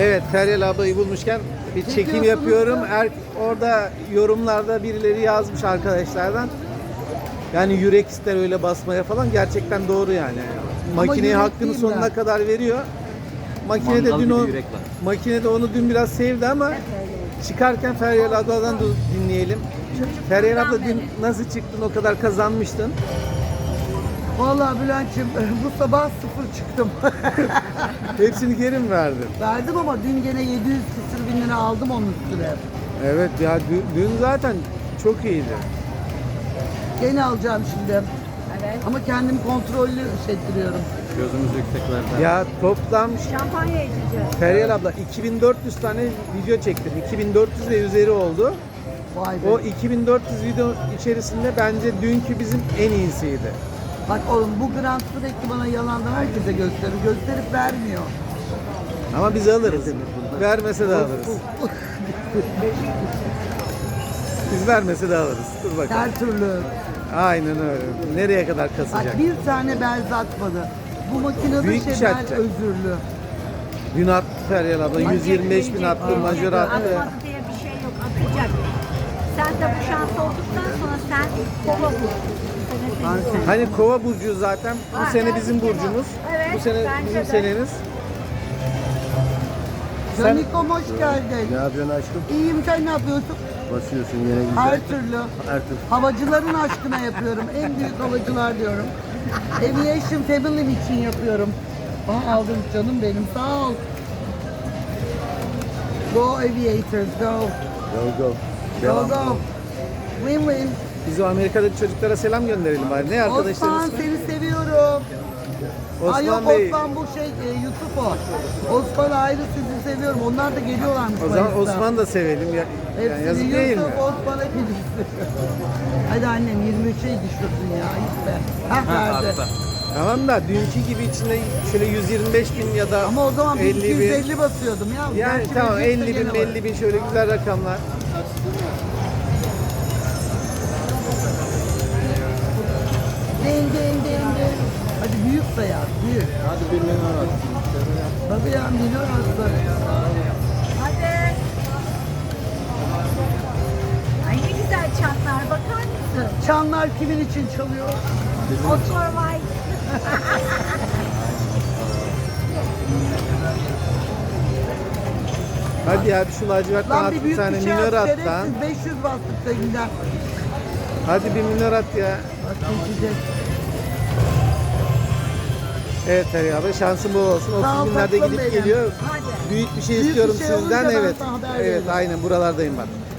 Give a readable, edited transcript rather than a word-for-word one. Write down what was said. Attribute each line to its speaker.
Speaker 1: Evet, Feryal ablayı bulmuşken bir çekim yapıyorum. Orada yorumlarda birileri yazmış arkadaşlardan. Yani yürek ister öyle basmaya falan. Gerçekten doğru yani. Makineye
Speaker 2: yürek
Speaker 1: hakkını
Speaker 2: değil
Speaker 1: sonuna
Speaker 2: ben.
Speaker 1: kadar veriyor. Makinede
Speaker 3: Mandal
Speaker 1: dün
Speaker 3: gibi
Speaker 1: o
Speaker 3: yürek var.
Speaker 1: makinede onu dün biraz sevdi ama çıkarken Feryal abladan da dinleyelim. Feryal abla dün nasıl çıktın? O kadar kazanmıştın.
Speaker 2: Vallahi Bülent'ciğim bu sabah sıfır çıktım.
Speaker 1: Hepsini geri mi verdin?
Speaker 2: Verdim ama dün gene 700 küsür bin lira aldım onun üstüne.
Speaker 1: Evet ya dün zaten çok iyiydi.
Speaker 2: Gene alacağım şimdi.
Speaker 4: Evet.
Speaker 2: Ama kendimi kontrollü hissettiriyorum.
Speaker 3: Gözümüz yükseklerde.
Speaker 1: Ya toplam
Speaker 4: Şampanya içeceğiz.
Speaker 1: Feryal abla 2400 tane video çektim. 2400 ve üzeri oldu.
Speaker 2: Vay be.
Speaker 1: O 2400 video içerisinde bence dünkü bizim en iyisiydi.
Speaker 2: Bak oğlum bu grant sürekli bana yalandan herkese gösterir. Gösterip vermiyor.
Speaker 1: Ama biz alırız. Vermese de alırız. Biz vermese de alırız. Dur bakalım.
Speaker 2: Her türlü.
Speaker 1: Aynen öyle. Nereye kadar kasacak?
Speaker 2: Bak bir tane belz atmadı. Bu makinede
Speaker 1: Büyük bir şey
Speaker 2: bel
Speaker 1: atacak.
Speaker 2: özürlü.
Speaker 1: Dün attı Feryal abla. 125 bin attı. Majör attı.
Speaker 4: Atmadı diye bir şey yok. Atacak. Sen de bu şans olduktan sonra sen kova bul.
Speaker 1: Hani kova burcu zaten. Bu
Speaker 4: Ha,
Speaker 1: sene bizim burcumuz.
Speaker 4: Evet,
Speaker 1: Bu sene
Speaker 4: bence
Speaker 1: bizim
Speaker 4: de.
Speaker 1: seneniz. Sen-
Speaker 2: Canikom hoş geldin.
Speaker 5: Ne yapıyorsun aşkım?
Speaker 2: İyiyim, sen ne yapıyorsun?
Speaker 5: Basıyorsun yine güzel.
Speaker 2: Her türlü.
Speaker 5: Her türlü.
Speaker 2: Havacıların aşkına yapıyorum. En büyük havacılar diyorum. Aviation Family'm için yapıyorum. Aa, aldım canım benim, sağ ol. Go Aviators, go.
Speaker 5: Go go.
Speaker 2: Go
Speaker 5: Devam.
Speaker 2: go. Win win.
Speaker 1: Biz o Amerika'daki çocuklara selam gönderelim bari. Ne
Speaker 2: Osman
Speaker 1: arkadaşlarımız?
Speaker 2: seni seviyorum. Ay yok
Speaker 1: Osman Bey.
Speaker 2: Osman bu şey Yusuf o. Osman ayrı, sizi seviyorum. Onlar da geliyorlarmış.
Speaker 1: O zaman
Speaker 2: Mayıs'ta.
Speaker 1: Osman da sevelim. Yani
Speaker 2: Hepsini
Speaker 1: yazık değil mi?
Speaker 2: Yusuf, Osman hepiniz. Hadi annem 23'e düşürdün ya. İyi be. Hah verdi.
Speaker 3: Artta.
Speaker 1: Tamam da dünkü gibi içinde şöyle 125 bin ya da
Speaker 2: Ama o zaman
Speaker 1: 50 bin.
Speaker 2: 250 basıyordum ya.
Speaker 1: Yani
Speaker 2: Gerçi
Speaker 1: tamam
Speaker 2: verecekse
Speaker 1: 50 bin
Speaker 2: gene var.
Speaker 1: 50 bin şöyle güzel rakamlar.
Speaker 2: Ding ding ding ding. Hadi büyük sayar, büyük.
Speaker 5: Hadi 1 milyon at.
Speaker 2: Tabii ya, milyon arası.
Speaker 4: Hadi. Ay ne güzel çanlar, bakar mısın?
Speaker 2: Çanlar kimin için çalıyor?
Speaker 4: Otur vay.
Speaker 1: Hadi ya bir şu lacivertten
Speaker 2: Lan
Speaker 1: at
Speaker 2: bir
Speaker 1: bir
Speaker 2: büyük
Speaker 1: tane
Speaker 2: bir şey
Speaker 1: minör
Speaker 2: at,
Speaker 1: at lan.
Speaker 2: şerefsiz 500 bastık sekinden.
Speaker 1: Hadi bir minör at ya.
Speaker 2: Bak geçecek.
Speaker 1: Evet Feryal abi şansın bol olsun.
Speaker 2: Sağ ol
Speaker 1: 30 binlerde
Speaker 2: tatlım
Speaker 1: gidip
Speaker 2: benim.
Speaker 1: geliyor.
Speaker 4: Hadi.
Speaker 1: Büyük bir şey
Speaker 2: Büyük bir
Speaker 1: istiyorum
Speaker 2: şey
Speaker 1: sizden.
Speaker 2: olunca ben
Speaker 1: Evet.
Speaker 2: sana haber
Speaker 1: Evet
Speaker 2: veririm.
Speaker 1: aynen buralardayım ben.